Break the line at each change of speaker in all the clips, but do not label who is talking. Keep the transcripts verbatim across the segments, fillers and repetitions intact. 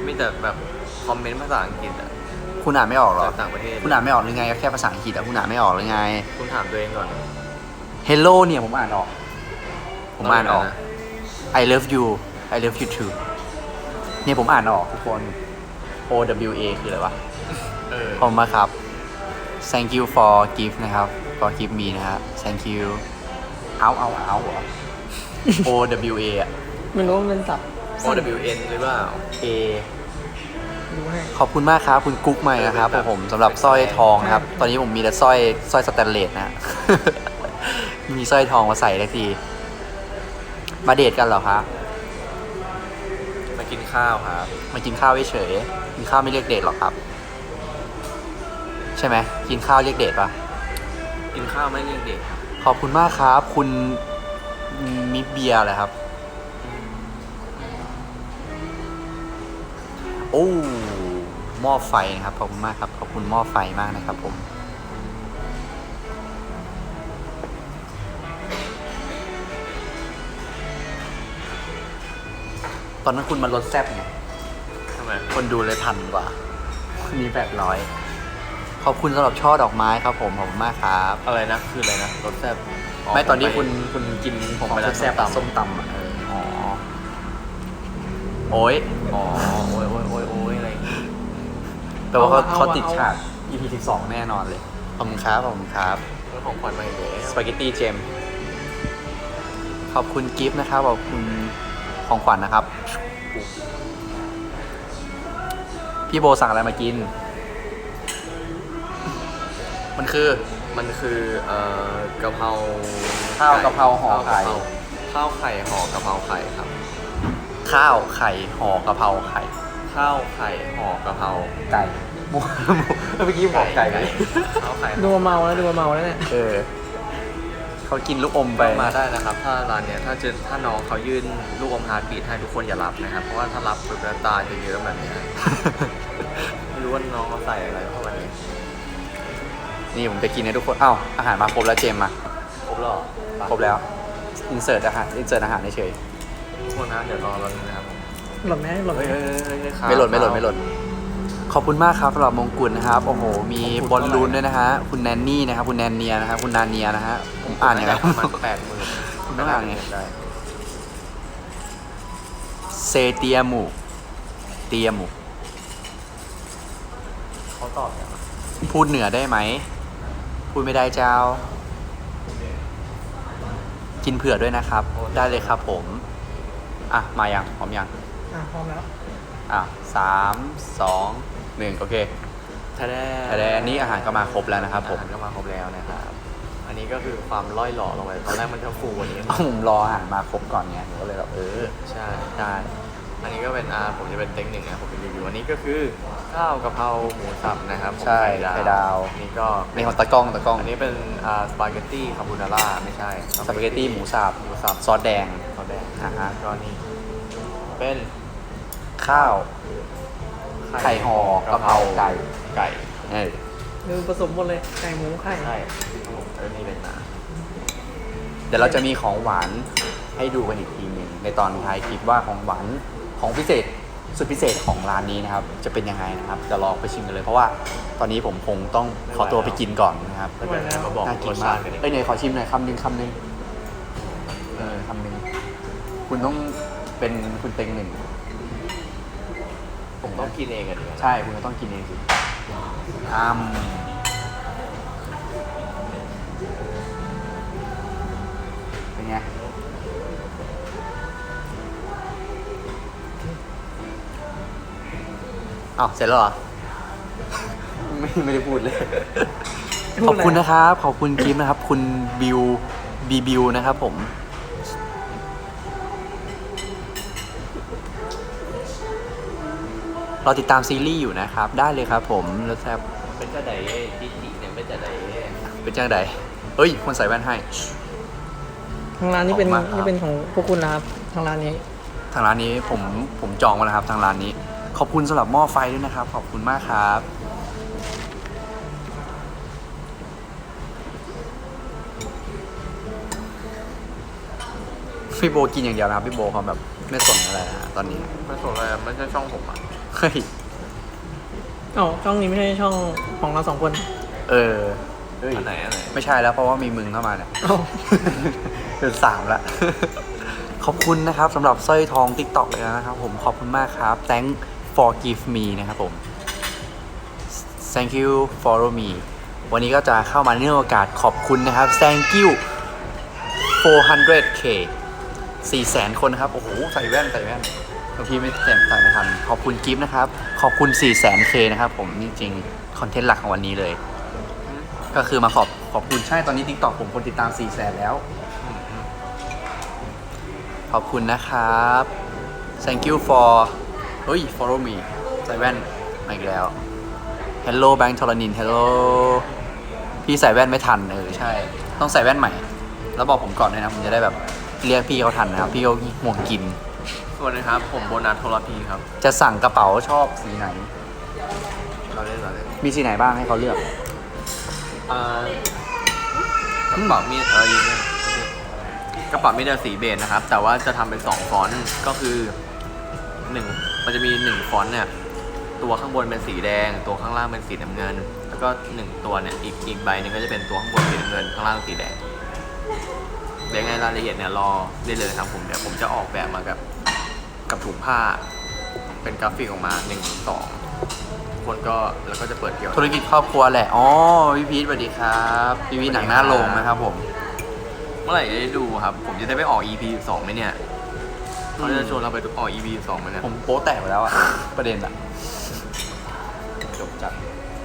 มีแต่แบบคอมเมนต์ภาษาอังกฤษอะ
คุณอ่านไม่ออกหรอ
จากต่างประเทศ
คุณอ่านไม่ออกหรือไงแค่ภาษาอังกฤษอะคุณอ่านไม่ออกหรือไง
คุณถามตัวเองก่อน
Hello เนี่ยผมอ่านออก ผมอ่านออก
นะ
I love you I love you too เนี่ยผมอ่านออกทุกคน O W A คืออะไรวะ
เออ
ขอบคุณมากครับ thank you for gift นะครับ for gift me นะครับ thank you เอาเอาเอาเหรอ O W A อะ
ไม่รู้ว่ามันสับ
โอ W N หรือเปล่า
A
ดูให้
ขอบคุณมากครับ คุณกุ๊กใหม่นะครับผมสำหรับสร้อยทองนะครับ ตอนนี้ผมมีแต่สร้อยสร้อยสแตนเลสนะ มีสร้อยทองมาใส่ได้ที มาเดทกันเหรอครับ
มากินข้าวครับ
มากินข้าวเฉยๆกินข้าวไม่เรียกเดทหรอกครับ ใช่ไหมกินข้าวเรียกเดทปะ
กินข้าวไม่เรียกเด็ก
ขอบคุณมากครับ คุณมิเบียร์เลยครับ โอ้หม้อไฟนะครับขอบคุณมากครับขอบคุณหม้อไฟมากนะครับผมตอนนั้นคุณมาลดแซบไง
ทำไม
คนดูเลยพันกว่ามีแปดร้อยขอบคุณสำหรับช่อดอกไม้ครับผมขอบคุณมากครับ
อะไรนะ คืออะไรนะรสแซ่บ
ไม่ตอนนี้คุณคุณกิน
ผม
ของ
ไปร้าน
แซ่บๆอะ
ส้
ส้
ม
ม
ตำ
ตำอ่ะเอออ๋อโอ้ย
อ๋อ โอ้ยโอ้ยโอ้ยโอ้ยอะไรอย่างงี้
แปลว่าเขา
เอาอะ
เขา
เอาอะ
ติดฉาก อี พี สิบสองแน่นอนเลยขอบคุณครับขอบคุณครับ
เรื่องของขวัญมาอีกแล้ว
สปาเกตตี้เจมขอบคุณกิฟต์นะครับขอบคุณของขวัญนะครับ พี่โบสั่งอะไรมากิน มันคือ
มันคือเอ่อกะเพรา
ข้าวกะเพราห่อไข่
ข้าวไข่ห่อกะเพราไข่ครับ
ข้าวไข่ห่อกะเพราไข่
ข้าวไข่ห่อกะเพรา
ไก่หมูหมูเมื่อกี้บอกไก่ไป
ข้าวไข่
ดูมาเมาแล้วดูมาเมาแล้วเนี่ย
เออเขากินลูกอมไป
มาได้นะครับ ถ้าร้านเนี้ยถ้าเจอถ้าน้องเขายื่นลูกอมฮาร์ดบีทให้ทุกคนอย่ารับนะครับ เพราะว่าถ้ารับปุ๊บแล้วตาจะเยอะแบบเนี้ย ไม่รู้ว่าน้องเขาใส่อะไรเข้ามาเนี่ย
นี่ผมจะกินให้ทุกคนอ้าวอาหารมาครบแล้วเจมมา
ครบแล้วเหรอ
ครบแล้วอินเสิร์ตอาหารอินเสิร์ตอาหารเฉย
ทุกคนนะเดี๋ยวรอเรานึงนะครับ
หล่นไหมหล่นไหม
เฮ้ยเฮ้ยเฮ้ยเฮ้ยครับ
ไม่หล่นไม่หล่นไม่หล่นขอบคุณมากครับสำหรับมงกุฎนะครับโอ้โหมีบอลลูนด้วยนะฮะคุณแนนนี่นะครับคุณแนนเนียนะครับคุณนาเนียนะฮะผมอ่านยังไง
ประมาณแปดหมื่น
คุณต้องอ่านไง
ได้
เซเตียมูเตียมู
เขาตอบยังไง
พูดเหนือได้ไหมพูดไม่ได้เจ้า กินเผื่อด้วยนะครับ ได้เลยครับผมอ่ะมายังพร้อมยัง
อ่ะพร้อมแล้ว
อ่ะสามสองหนึ่งโอเค
ทะเล
แต่อันนี้อาหารก็มาครบแล้วนะครับผม
อาหารก็มาครบแล้วนะครับ อันนี้ก็คือความล่อยหล่อลงไปตอนแรกมันจะฟูกว่านี้
เอาผมรออาหารมาครบก่อนไงผมก็เลยแบบเออ
ใช่
ได้
อันนี้ก็เป็นอาผมจะเป็นเต็งหนึ่งนะผมเป็นรีวิวอันนี้ก็คือข้าวกะเพราหมูสับนะครับผม
ใช่
ไข่
ไข่ดาว
อันนี้ก็
ในของตะกล้องตะกล้อง
อันนี้เป็นอ่าสปาเกตตี้คาโบนาร่าไม่ใช่
สปาเกตตี้หมูสับ
หมูสับ
ซอสแดง
ซอสแดง
อ่าฮะ
ก็นี่เป็น
ข้าวไข่ห่อกะเพราไก่
ไก่
เออ
ดูผสมหมดเลยไก่หมูไข่
ใช่แล้วนี่เป็นนา
เดี๋ยวเราจะมีของหวานให้ดูกันอีกทีหนึงในตอนท้ายคลิปว่าของหวานของพิเศษสุดพิเศษของร้านนี้นะครับ จะเป็นยังไงนะครับเดี๋ยวลองไปชิมกันเลยเพราะว่าตอนนี้ผมคงต้องขอตัวไปกินก่อนนะครับ
แล้วเดี๋ยวจะมาบอก
น่ากิ
ร
น
ส
มา
ชาก ติกันอีก
เอ้ยเนี่ยขอชิมหน่อยคำหนึ่งคำหนึ่งเออคำหนึ่งคุณต้องเป็นคุณเต็งหนึ่ง
ผมต้องกินเองกันดีกว่า
ใช่คุณก็ต้องกินเองสิอ้ามเป็นไงอ้าวเสร็จแล้วเหรอ ไม่ไม่ได้พูดเลย ขอบคุณนะครับ ขอบคุณกิฟต์นะครับ คุณบิวบีบิวนะครับผม เราติดตามซีรีส์อยู่นะครับ ได้เลยครับผมแล้วแซบ
เป็นจะไดดิจิเนี่ยเป็นจะได
เป็นจังใดเฮ้ย คนใส่แว่นให้
ทางร้านนี้เป็น
ขอบคุณมากครับ
นี่เป็นของพวกคุณนะครับทางร้านนี้
ทางร้านนี้ผมผมจองมาแล้วครับ ทางร้านนี้ ขอบคุณสำหรับหม้อไฟด้วยนะครับ ขอบคุณมากครับ พี่โบกินอย่างเดียวนะครับ พี่โบเขาแบบไม่สนอะไรนะตอนนี้
ไม่สนอะไรไม่ใช่ช่องผมอ่ะ
เฮ้ย
อ๋อช่องนี้ไม่ใช่ช่องของเราสองคน
เออเฮ้ย
อันไหนอันไหน
ไม่ใช่แล้วเพราะว่ามีมึงเข้ามาเนี่ย
อ๋อ
เดือนสามละ ขอบคุณนะครับสำหรับสร้อยทอง TikTok เลยนะครับผมขอบคุณมากครับ thank for give me นะครับผม thank you follow me วันนี้ก็จะเข้ามาในโอกาสขอบคุณนะครับ thank you four hundred k สี่แสนคนนะครับ โอ้โห ใส่แว่นใส่แว่นบางทีไม่เต็มใส่ไม่ทัน ขอบคุณกิฟต์นะครับ ขอบคุณสี่แสน k นะครับผมจริงๆ คอนเทนต์หลักของวันนี้เลย ก็คือมาขอบขอบคุณใช่ตอนนี้ TikTok ผมคนติดตามสี่แสนแล้ว ขอบคุณนะครับ thank you for เฮ้ย follow me ใส่แว่นมาอีกแล้ว hello แบงค์ธรณิน hello พี่ใส่แว่นไม่ทันเออใช่ ต้องใส่แว่นใหม่ แล้วบอกผมก่อนด้วยนะผมจะได้แบบเรียกพี่เขาทันนะครับ พี่เขาห่วงกิน
สวัสดีครับ ผมโบนัสโทรพีครับ
จะสั่งกระเป๋าชอบสีไหน
เราเล่นเราเล่น
มีสีไหนบ้างให้เขาเลือก
อ่ากระเป๋ามีเออยืนเลยกระเป๋ามีแต่สีเบจนะครับ แต่ว่าจะทำเป็นสองฟอนต์ก็คือหนึ่งมันจะมีหนึ่งฟอนต์เนี่ยตัวข้างบนเป็นสีแดง ตัวข้างล่างเป็นสีน้ำเงิน แล้วก็หนึ่งตัวเนี่ยอีกอีกใบหนึ่งก็จะเป็นตัวข้างบนสีน้ำเงินข้างล่างสีแดงเดี๋ยวไงรายละเอียดเนี่ยรอได้เลยครับผมเดี๋ยวผมจะออกแบบมากับกับถุงผ้า เป็นกราฟิกออกมาหนึ่งสองคนก็แล้วก็จะเปิดเกี่ยว
ธุรกิจครอบครัวแหละ อ๋อ พี่พีทสวัสดีครับ พี่พีทหนังหน้าโรงนะครับผม
เมื่อไหร่จะได้ดูครับ ผมจะได้ไปออก อี พี สองไหมเนี่ยเขาจะชวนเราไปออก อี พี สองไหมเนี่ย
ผมโป๊แตกไปแล้วอะ ประเด็นอะจบจัด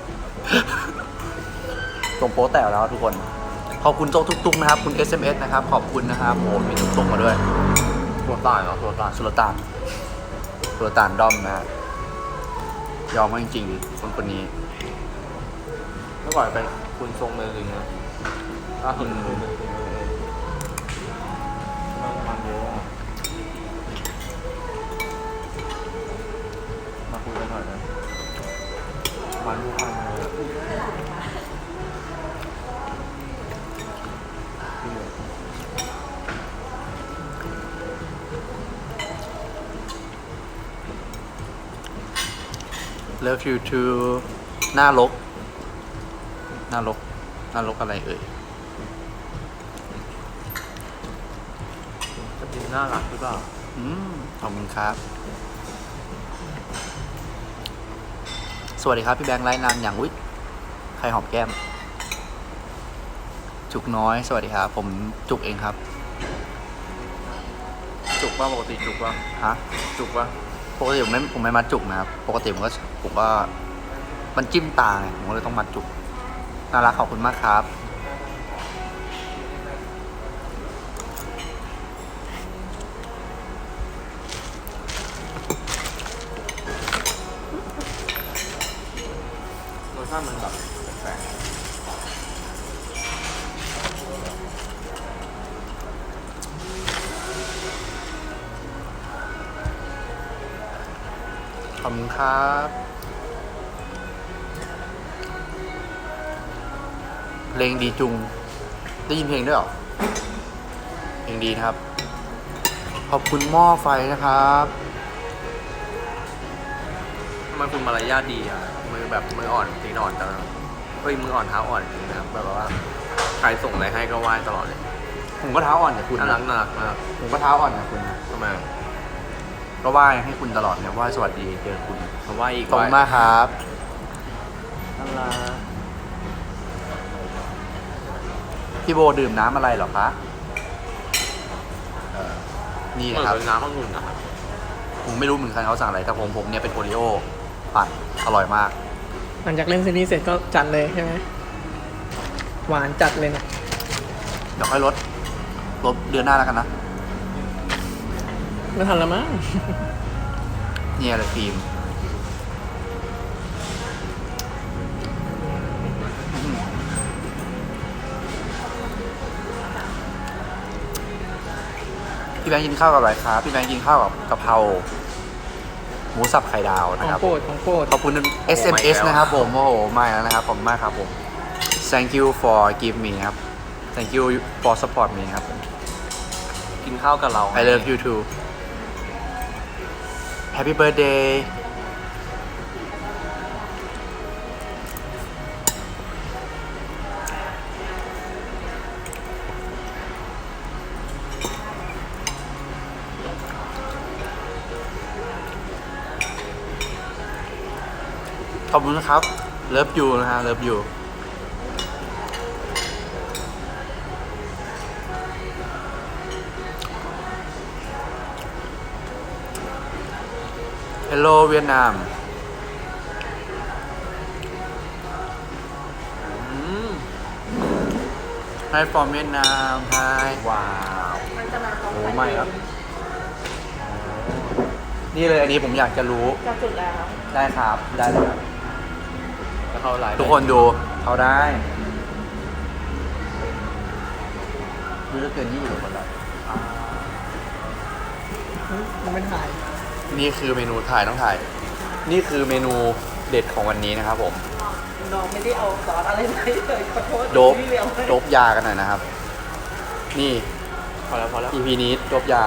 ผมโป๊แตกแล้วทุกคน ขอบคุณโจ๊กทุกๆนะครับ คุณ เอส เอ็ม เอส นะครับ ขอบคุณนะครับโอ้มีทุกๆมาด้วย
ตัวตายเหรอตัวตาย
สุลต่านสุลต่านดอมนะฮะยอมมากจริงๆคนคนนี้
เมื่อก่อนเป็นคุณทรงเมลิงนะอ่ะคุณคุณมันเยอะอะมาคุยกันหน่อยนะมันทุกคนเลยพี่เหลือ
Love you too หน้าลก หน้าลก หน้าลกอะไรเอ่ย
จะเป็นน่ารักหรือเปล่า
อืม ขอบคุณครับ สวัสดีครับ พี่แบงค์ไลน์นานอย่างอุ๊ยใครหอมแก้ม จุกน้อย สวัสดีครับ ผมจุกเองครับ
จุกป่ะปกติจุกป่ะ
ฮะ
จุกป่ะ
ปกติผมไม่ผมไม่มัดจุกนะครับ ปกติผมก็ผมก็มันจิ้มตาไงผมก็เลยต้องมัดจุก น่ารักขอบคุณมากครับ
รสชาติมันแบบแปลก
ขอบคุณครับ เพลงดีจุง ได้ยินเพลงด้วยเหรอ เพลงดีนะครับ ขอบคุณหม้อไฟนะครับ
ๆทำไมคุณมารยาทดีอ่ะมือแบบมืออ่อนตีนอ่อนจังเฮ้ยมืออ่อนเท้าอ่อนจริงนะครับแบบว่าใครส่งอะไรให้ก็ไหว้ตลอดเลย
ผมก็เท้าอ่อนกับคุณ
น่ารั
นะ
กน่ารักมาก
ผมก็เท้าอ่อนกับคุณนะ
ทำไม
ก็ไหว้ให้คุณตลอดเนี่ยไหว้สวัสดีเจอคุณ
มาไหว้อีก
ขอบคุณมากครับ
น่ารัก
พี่โบดื่มน้ำอะไรเหรอคะเอ่อนี่
เหมื
นะ
อน
ครับ
เป็นน้ำองุ่นนะครับ
ผมไม่รู้เหมือนกันเขาสั่งอะไรแต่ผมผมเนี่ยเป็นโอริโอปั่นอร่อยมาก
หลังจากเล่นซีรีส์เสร็จก็จัดเลยใช่ไหมหวานจัดเลยนะ
เดี๋ยวค่อยลดลดเดือนหน้าแล้วกันนะ
ไม่ทันแล้วมั้ง
เนี่ยเลยฟิล์มพี่แบงค์กินข้าวกับอะไรครับพี่แบงค์กินข้าวกับกะเพราหมูสับไข่ดาว
ข
นะ
อง
ครับ
โปรดของโปรด
ขอบคุณ เอส เอ็ม เอส นะครับผม โอ้โหมาแล้วนะครับ ขอบคุณมากครับผม thank you for give me ครับ thank you for support me ครับ
กินข้าวกับเรา
I love you too happy birthday ขอบคุณนะครับ เลิฟยูนะฮะ เลิฟยูเฮลโลเวียดนาม ไฮฟอร์มเวียดนามไฮว้าวโอ้ไม่ครับ นี่เลยอันนี้ผมอยากจะรู้
จะจุดแล้ว
ได้ครับ ได้เลยครับ
แล้วเข้าไลน์
ทุกคนดูเขาได้ดูแล้วเกินยี่สิบคนละ
มันเป็นถ่าย
นี่คือเมนูถ่ายต้องถ่าย นี่คือเมนูเด็ดของวันนี้นะครับผม
น้องไม่ได้เอาซอสอะไรมาเลยขอโทษ
โดบ
พี่เลี้ยงเลย
โดบยากันหน่อยนะครับ นี่
พอแล้วพอแล้ว
อี พี นี้โดบยา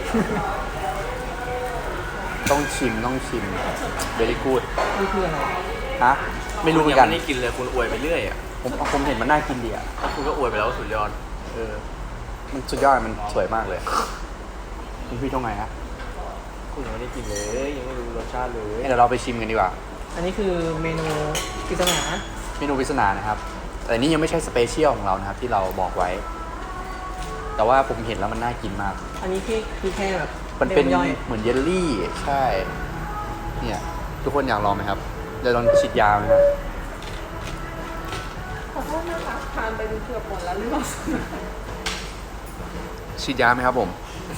ต้องชิมต้องชิมเบรี่กูด
นี่คืออะไร
ฮะ ไม่รู้เหมือนกัน
ยังไม่ได้กินเลยคุณอวยไปเรื่อยอ่ะ
ผมผมเห็นมันน่ากินดีอ่ะ
คุณก็อวยไปแล้วว่าสุดยอด
เออ มันสุดยอด มันสวยมากเลย คุณพี่ตรงไหนฮะ
คุณยังไม่ได้กินเลยยังไม่รู้รสชาติเลย
เดี๋ยวเราไปชิมกันดีกว่า
อันนี้คือเมนูปริศนา
เมนูปริศนานะครับ แต่นี่ยังไม่ใช่สเปเชียลของเรานะครับ ที่เราบอกไว้ แต่ว่าผมเห็นแล้วมันน่ากินมาก
อันนี้ที่คือแค่แบบ
มันเป็น
ย่อย
เหมือนเยลลี่ ใช่ เนี่ย ทุกคนอยากลองไหมครับจะลองฉีดยาไหมครับ
ขอโทษนะคะทานไปเกือบหมดแล้วหรือเปล่า
ฉีดยาไหมครับผม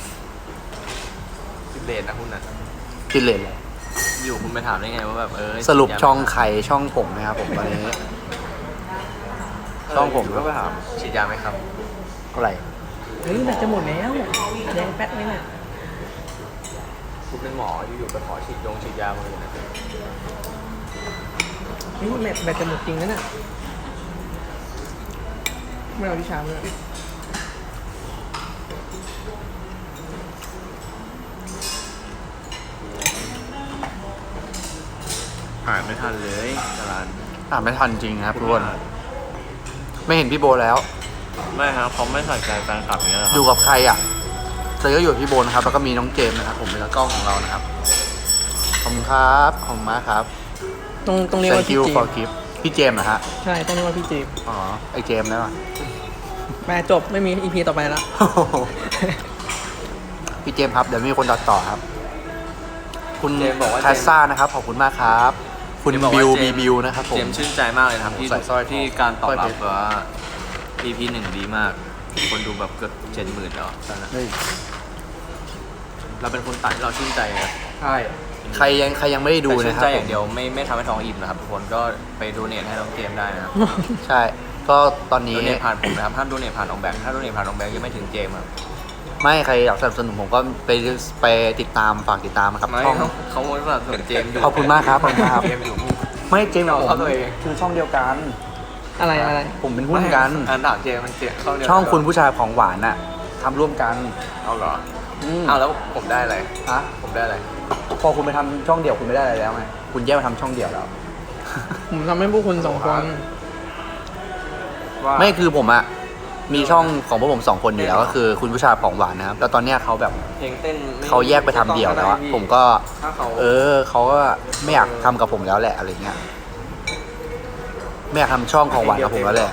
สิบเลนนะคุณนะ
กินเลยเลย
อยู่คุณไปถามได้ไงว่าแบบเออ
สรุปช่องไข่ช่องผมนะครับผมตอนนี้ ช่องผม
ก็ไปถามฉีดยาไหมครับ
เท่าไหร่
เฮ้ยแบตจะหมดแล้วแดงแป๊ดเลยน่ะ
คุณเป็นหมออยู่ๆไปขอฉีดยงฉีดยามาเลยนะ
นี่แบตแบตจะหมดจริงนะน่ะไม่เอาที่ชามเลย
อ่านไม่ทันเลยจรัน
อ่านไม่ทันจริงนะครับทุกคน ไม่เห็นพี่โบแล้ว
ไม่ครับเขาไม่ใส่ใจแฟนคลับอย่างเงี้ยหรอ
อยู่กับใครอ่ะเจอก็อยู่กับพี่โบนะครับ แล้วก็มีน้องเจมส์นะครับ ผมเป็นตากล้องของเรานะครับ ขอบคุณครับ ขอบคุณมากครับ
ตรงตรงนี้ว่า
Thank
พี่
you
เจ
for
มส์
gift พี่เจมส์นะฮะ
ใช่ต้องเรียกว่าพี่เจมส์
อ๋อ ไอเจมส์แล้วอ่ะ
แม่จบไม่มีอีพีต่อไปแล้ว
พี่เจมส์ครับ เดี๋ยวมีคนตัดต่อครับ คุณ
เจมส์บอกว่า
คาซ่านะครับ ขอบคุณมากครับ คุณ
เจมส์บอก
บิ
ว่าว เจ
บี
มส์
บิวนะครับผม
เจมส์ชื่นใจมากเลยนะครับที่
ใส่สร้อย
ที่การตอบรับ
สร้อยเพชร
แบบว่า อี พี หนึ่งดีมาก คนดูแบบเกือบเจ็ดหมื่นแล้วตอนนั้น
เฮ้ย
เราเป็นคนตัดเราชื่นใจนะ
ใช่ ใครยังใครยังไม่ได้ดู
แต่ชื่
นะ
น
ครับ
ใจอย่างเดียวไม่ไม่ทำให้ท้องอิ่มนะครับทุกคนก็ไปดูเนทให้น้องเจมส์ได้นะครับ
ใช่ ก็ตอนนี้
ดูเนทผ่านผมนะครับห้ามดูเนทผ่านน้องแบงค์ถ้าดูเนทผ่านน้องแบงค์ยังไม่ถึงเจมส์ครับ
ไม่ใครอยากสนับสนุนผมก็ไปไปติดตามฝากติดตามนะครับ
ไม่
ช่อง
เขาเขาสนับสนุนเจมส์อยู่
ขอบคุณมากครับขอบคุณมากครับ
เจมส์อยู่
ไม่เจมส์กับผ
เอา
ม
ตัวเอง
คือช่องเดียวกัน
อะไรอะไร
ผมเป็นหุ้นกัน
อันถามเจมส์มันเจมส์เข้าเดียว
ช่องคุณผู้ชายของหวานน่ะทำร่วมกัน
เอาเหรอ
อืม
เอาแล้วผมได้อะไร
ฮะ
ผมได้อะไร
พอคุณไปทำช่องเดี่ยวคุณไม่ได้อะไรแล้วไงคุณแยกมาทำช่องเดี่ยวแล้ว
ผมทำให้พวกคุณสองคน
ว่า
ไม่คือผมอะมีช่องของพวกผมสองคนอยู่แล้วก็คือคุณผู้ชายของหวานนะครับแล้วตอนเนี้ยเขาแบบ
เพลงเต้นไม่
เขาแยกไปทำเดี่ยวแล้วอะผมก็
ถ้าเขา
เออเขาก็ไม่อยากทำกับผมแล้วแหละอะไรเงี้ยไม่อยากทำช่องของหวานกับผมแล้วแหละ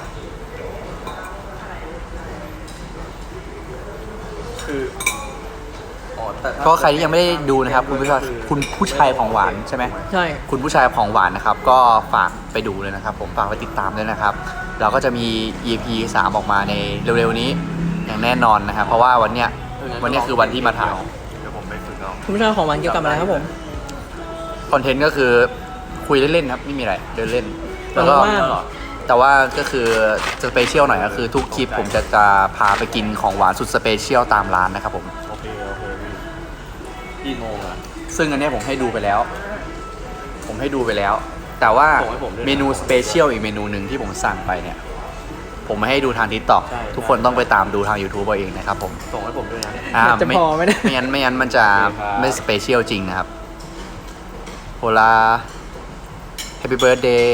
คืออ๋อแต่ถ้
ก็ใครที่ยังไม่ได้ดูนะครับ คุณผู้ชายคุณผู้ชายของหวานใช่ไหม
ใช่
คุณผู้ชายของหวานนะครับ ก็ฝากไปดูเลยนะครับ ผมฝากไปติดตามด้วยนะครับ เราก็จะมี อี พี สามออกมาในเร็วๆนี้อย่างแน่นอนนะครับ เพราะว่าวันเนี้ยวันเนี้ยคือวันที่มาถ่าย
เดี๋ยวผมไปฝึกเอา
คุณผู้ชายของหวานเกี่ยวกับอะไรครับผม
คอนเทนต์ก็คือคุยเล่นๆครับไม่มีอะไรเดินเล่นแล้วก็
ว่าง
แต่ว่าก็คือสเปเชียลหน่อยก็คือทุกคลิปผมจะจะพาไปกินของหวานสุดสเปเชียลตามร้านนะครับผม
โอเคโอเคพี่กี่โมงอะ
ซึ่งอันเนี้ยผมให้ดูไปแล้ว ผมให้ดูไปแล้ว แต่ว่า
ส่งให้ผมด้วยนะ
เมนูสเปเชียลอีกเมนูหนึ่งที่ผมสั่งไปเนี่ย ผมไม่ให้ดูทางทิกตอก
ใช่
ทุกคนต้องไปตามดูทาง YouTube เอาเองนะครับผม
ส่งให้ผมด้วยนะ
อ่า
จะพอไหมเนี่ย
ไม่งั้นไม่งั้นมันจะ
โอเคครับ
ไม่สเปเชียลจริงนะครับโฮลา Happy Birthday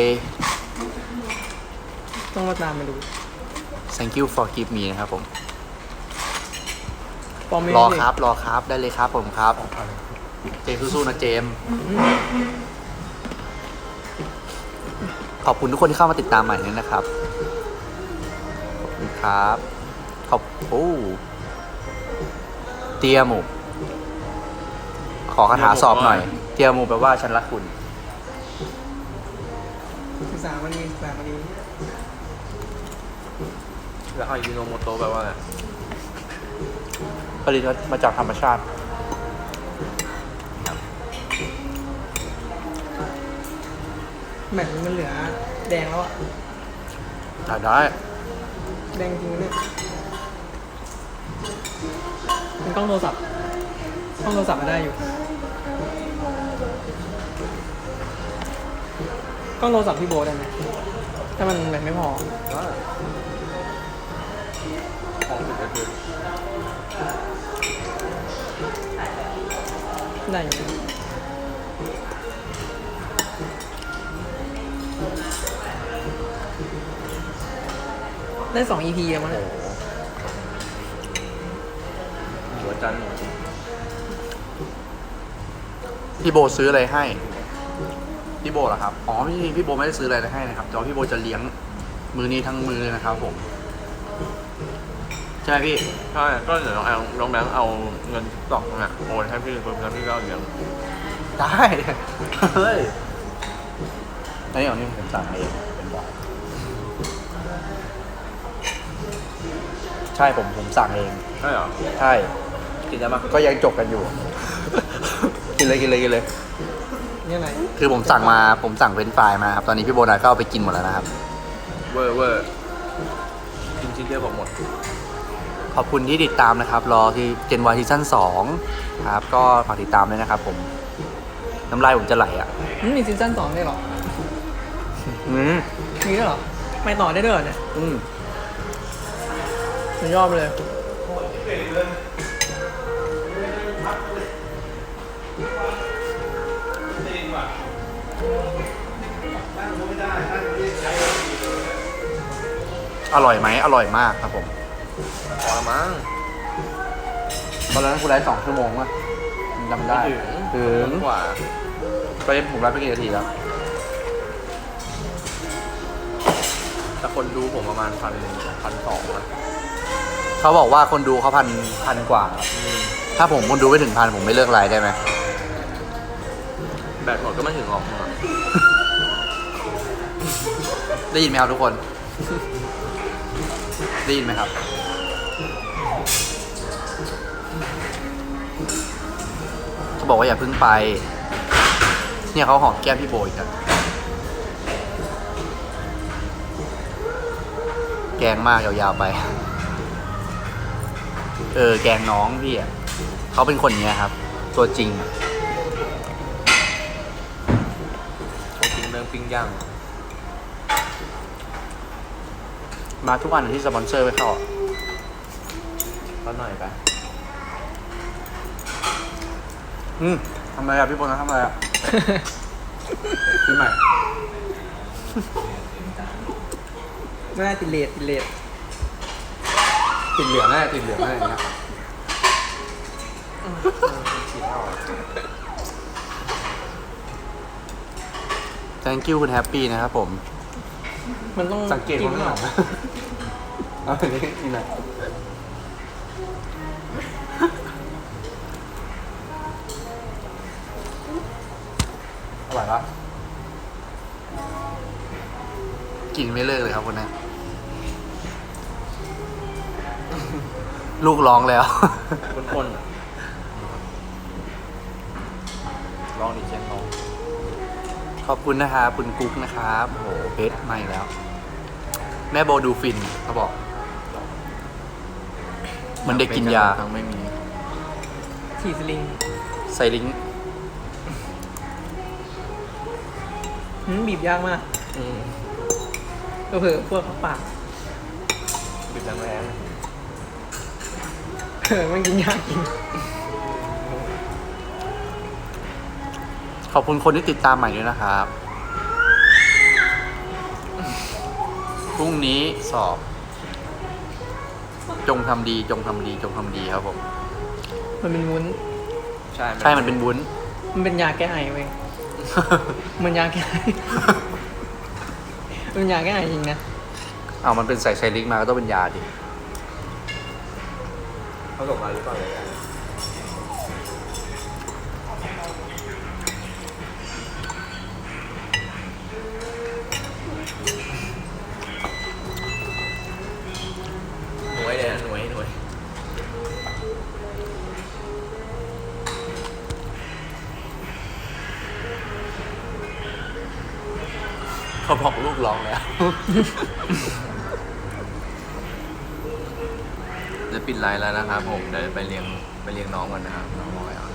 ต้องมาตามมาดู
Thank you for give me นะครับผม
ปอมไม่
รอ
ได้
ครับ รอครับ ได้เลยครับผมครับ เจมส์สู้ๆนะเจมส์ขอบคุณทุกคนที่เข้ามาติดตามใหม่ด้วยนะครับ ขอบคุณครับ ขอบโอ้เตียหมูขอคาถาสอบหน่อย เตียหมูแปลว่าฉันรักคุณ
ศึกษามันมีศึกษามันมี
แล้วอายุโนโมโตะแปลว่าอะไร
ผลิตมาจากธรรมชาติ
แบบนี้มันเหลือแดงแล้วอะ
ได้ได้
แดงจริงเนี่ยเป็นกล้องโทรศัพท์กล้องโทรศัพท์มาได้อยู่กล้องโทรศัพท์พี่โบได้ไหมถ้ามันแบบไม่พอ
ของถึงก็คือ
ได้อยู่ได้สอง อี พี แล้วมั้ง
โอ้
เนี่ย
โหหัวจันทร์
พี่โบซื้ออะไรให้ พี่โบเหรอครับ อ๋อพี่พี่โบไม่ได้ซื้ออะไรให้นะครับ แต่ว่าพี่โบจะเลี้ยงมือนี้ทั้งมือเลยนะครับผม ใช่ไหมพี่
ใช่ก็เดี๋ยวน้องแอลน้องแบงค์เอาเงินตอกเนี่ยโอนให้พี่เพิ่มแล้วพี่ก็เอาเลี้ยง
ได้ เฮ้ยอันนี้ของนี่ผมสั่งเองเป็นบอกใช่ผมผมสั่งเอง
ใช่เหรอ
ใช่
กินได้ปะ
ก็ยังจบกันอยู่ กินเลยกินเลยกินเลย
นี่อะไร
คือผมสั่งมาผมสั่งเฟรนช์ฟรายมาครับ ตอนนี้พี่โบนัสก็เอาไปกินหมดแล้วนะครับ
เวอร์เวอร์กินชิ้นเดียวผมหมด
ขอบคุณที่ติดตามนะครับ รอที่เจนวายซีซั่นสองครับ ก็ฝากติดตามด้วยนะครับผม น้ำลายผมจะไหลอ่ะ
มันมีซีซั่นสองได้วยเหรอ
อืม
มีด้วยเหรอ ไม่ต่อได้ด้วยเหรอเนี่ย
อืม
สุดยอดไปเลย
อร่อยไหมอร่อยมากครับผม
พอละมั้ง
ตอนนั้นคุณไลฟ์สองชั่วโมงป่ะจำได้
ไม่ถึง
ถึง
กว่า
ไปผมไลฟ์ไปกี่นาทีแล้ว
แต่คนดูผมประมาณพันพันสองนะ
เขาบอกว่าคนดูเขาพันพันกว่าครับ
อืม
ถ้าผมคนดูไม่ถึงพันผมไม่เลิกไลฟ์ได้ไหม
แบตหมดก็ไม่ถึงหรอก
ได้ยินไหมครับทุกคน ได้ยินไหมครับ เขาบอกว่าอย่าเพิ่งไป เนี่ยเขาหอมแก้มพี่โบยกัน แกงมากยาวๆไป เออ แกงน้องพี่อ่ะเขาเป็นคนอย่างเงี้ยครับ ตัวจริงอะ
ผมกินเรื่องปิ้งย่าง
มาทุกวันที่สปอนเซอร์ไปเข้าอะ
ก็หน่อยไป
อืมทำอะไรอ่ะพี่โบนะทำอะไรอ่ะ ซื้อใหม่
ไม่ได้ติดเลทติดเลท
ติดเหลืองแน่ติดเหลืองแน่อย่างเงี้ย thank you คุณแฮปปี้นะครับผม
มันต้อง
สังเกต
กิ
คน
น
ข้างหลัง
ก่อน
เอาอันนี้กินหน่อยอร่อยปะกินไม่เลิกเลยครับคนนี้ ลูกร้องแล้ว
คนๆอะลองดิเชนลอง
ขอบคุณนะครับคุณกุ๊กนะครับโอ้โหเพชรมาอีกแล้ว แม่โบดูฟินเขาบอกเหมันเด็กกินยา
ทั้งไม่มี
ฉีดสลิง
ใส่ลิงก์
หืมบีบยากมาก
อืม
เผลอๆพวกเขาปาก
บิดแรง
เออมันกินยากจริง
ขอบคุณคนที่ติดตามใหม่ด้วยนะครับ พรุ่งนี้สอบ จงทำดีจงทำดีจงทำดีครับผม
มันเป็นวุ้น
ๆใช่
ใช่มันเป็นวุ้น
มันเป็นยาแก้ไอเว้ยมันยาแก้ไอเป็นยาแก้ไอจริงนะ
อ้าวมันเป็นใส่ไซลิกมาก็ต้องเป็นยาดิ
เขาส่งมาหรือเปล่าเลยหน่วยเลยนะหน่วยหน่วยเขาบอกลูกร้องแล้ว จะปิดไลน์แล้วนะครับผมเดี๋ยวไปเลี้ยงไปเลี้ยงน้องก่อนนะครับน้องรอแล้ว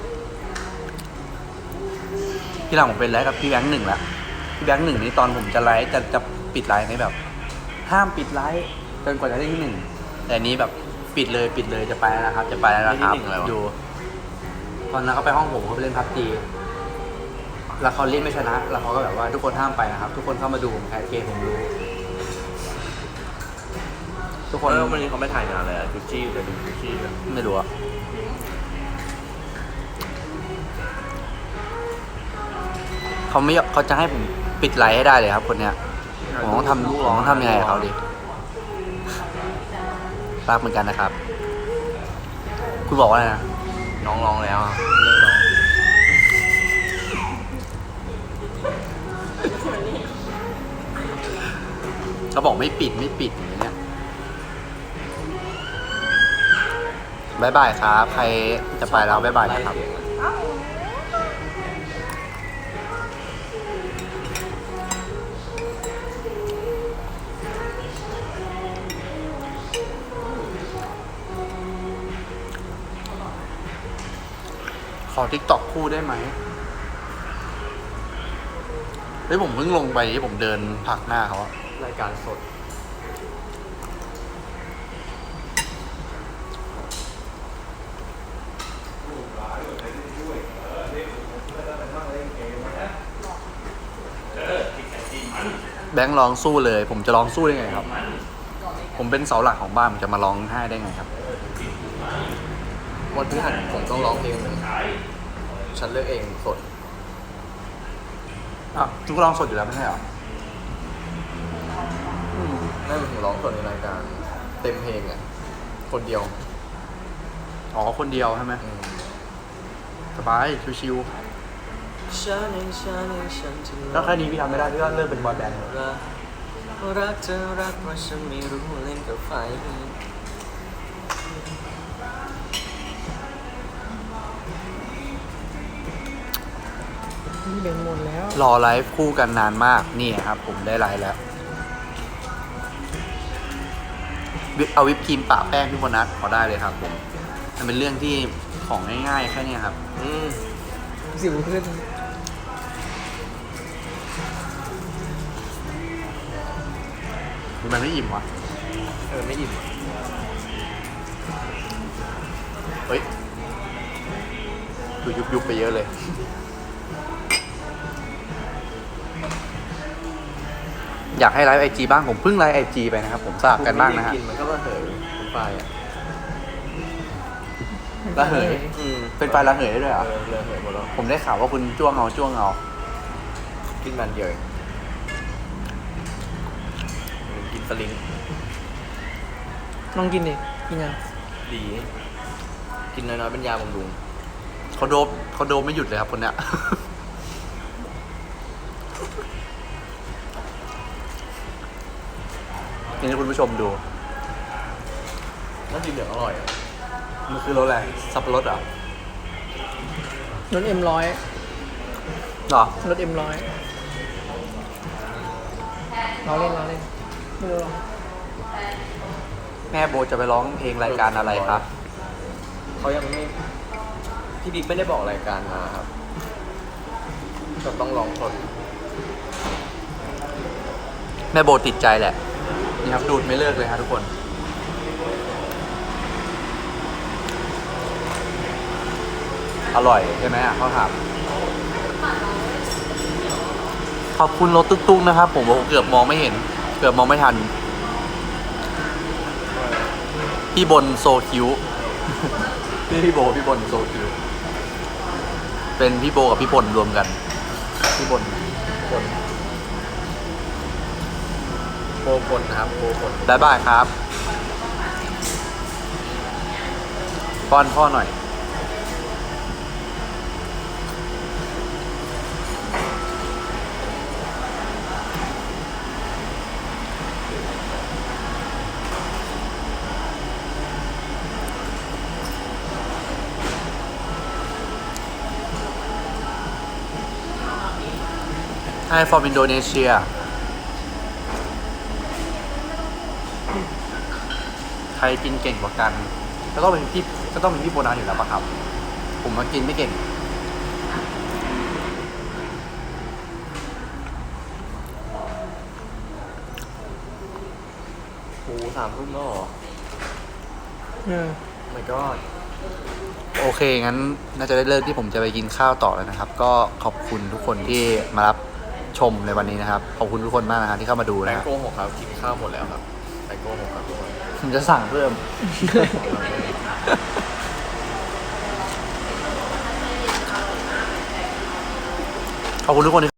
ที่หลังผมเป็นไลฟ์กับพี่แบงค์หนึ่งแล้วพี่แบงค์หนึ่งนี่ตอนผมจะไลฟ์จะจะปิดไลฟ์ในแบบ ห้ามปิดไลฟ์จนกว่าจะได้ที่หนึ่งแต่อันนี้แบบปิดเลยปิดเลยจะไปแล้วนะครับ จะไปแล้วนะครับอยู่ตอนนั้นเขาไปห้องผมเขาไปเล่นพับจีแล้วเขาเล่นไม่ชนะ แล้วเขาก็แบบว่าทุกคนห้ามไปนะครับ ทุกคนเข้ามาดูผมแคสเกมผมรู้ ทุก
ค
คน น
แล้ววันนี้เขาไม่ถ่ายงานเลยอะจุชี่เลยดูจุชี่เลย
ไม่รู้อะเขาไม่เขาจะให้ผมปิดไลฟ์ให้ได้เลยครับ คนเนี้ยผมต้องทำผมต้องทำยังไงกับเขาดิรักเหมือนกันนะครับ คุณบอกว่าอะไรนะ
น้องร้องแล้วอะเลิกร้อง
เขาบอกไม่ปิดไม่ปิดอย่างเงี้ยบายบายครับ ใครจะไปแล้วบายบายนะครับ ขอทิกตอกคู่ได้ไหมเฮ้ยผมเพิ่งลงไปที่ผมเดินผลักหน้าเขาอะ
รายการสด
แบงค์ร้องสู้เลย ผมจะร้องสู้ได้ไงครับ ผมเป็นเสาหลักของบ้านผมจะมาร้องไห้ได้ไงครับ
วันพฤหัสผมต้องร้องเพลงหนึ่งฉันเลือกเองสด
อ่ะทุกร้องสดอยู่แล้วไม่ใช่เหรอ
ไม่เป็นถึงร้องสดในรายการเต็มเพลงอ่ะคนเดียว
อ๋อคนเดียวใช่ไหม
อืม
สบายชิว
ฉันเองฉันเองฉันที่
ๆแล้วแค่นี้พี่ทำไม่ได้พี่ก็เลิกเป็นบอยแบนด์เลย
รักรักเธอรักว่าฉันไม่รู้เล่นกับไฟ
นี่เป็นหมดแล้ว
รอไลฟ์คู่กันนานมากนี่ครับ ผมได้ไลฟ์แล้ววิปเอาวิปครีมปะแป้งพี่โบนัสขอได้เลยครับ ผมมันเป็นเรื่องที่ของง่ายๆแค่เนี้ยครับ
อืม
สิวขึ้น
มันไม่อิ่มวะ
เออไม่อิ่ม
เฮ้ยดูยุบยุบๆไปเยอะเลย อยากให้ไลฟ์ไอจีบ้างผมเพิ่งไลฟ์ไอจีไปนะครับ ผมทราบกันบ้างนะฮะ
กินมันก็ระเหยเป็นไฟอ่ะ
ระเหย
อืม
เป็นไฟระเหยได้ด้วยเหรอ
เออระเหยหมดแล้ว
ผมได้ข่าวว่าคุณจ้วงเอาจ้วงเอา
กินมันเดียวเองกินสลิง
ลองกินดิกินยัง
ดี กินน้อยๆเป็นยาบำรุง
เขาโดบเขาโดบไม่หยุดเลยครับคนเนี้ย นี่ให้คุณผู้ชมดู
แล้วสีเหลืองอร่อยอ่ะ
มันคือรสอะไร สับปะรดเหรอ
รถเอ็มร้อย
เหรอ
รถเอ็มร้อยเราเล่นเราเล่นไม่รู้หรอก
แม่โบจะไปร้องเพลงรายการอะไรครับ
เขายังไม่พี่บิ๊กไม่ได้บอกรายการมาครับก็ต้องลองสด
แม่โบติดใจแหละ นี่ครับดูดไม่เลิกเลยครับทุกคน อร่อยใช่ไหมอ่ะเขาถามขอบคุณรถตุ๊กๆนะครับ ผมโอ้โหเกือบมองไม่เห็น เกือบมองไม่ทัน พี่บนโซคิว พี่พี่โบพี่บนโซคิว เป็นพี่โบกับพี่บนรวมกัน พี่บนบน
โบพลนะครับโบพล
บ๊ายบายครับป้อนพ่อหน่อย Hi from Indonesia ใครกินเก่งกว่ากัน ก็ต้องเป็นพี่ก็ต้องเป็นพี่โบนัสอยู่แล้วปะครับ ผมมากินไม่เก่ง
โอ้สามทุ่มแล้วเหรอ
เออ
my god
โอเค งั้นน่าจะได้เลิกที่ผมจะไปกินข้าวต่อแล้วนะครับ ก็ขอบคุณทุกคนที่มารับชมในวันนี้นะครับ ขอบคุณทุกคนมากนะครับที่เข้ามาดู
แต
นะ
ง
ครับ
โกหกครับกินข้าวหมดแล้วครับแตงโกหกครับทุกคน
ผมจะสั่งเพิ่ม ขอบคุณทุกคนที่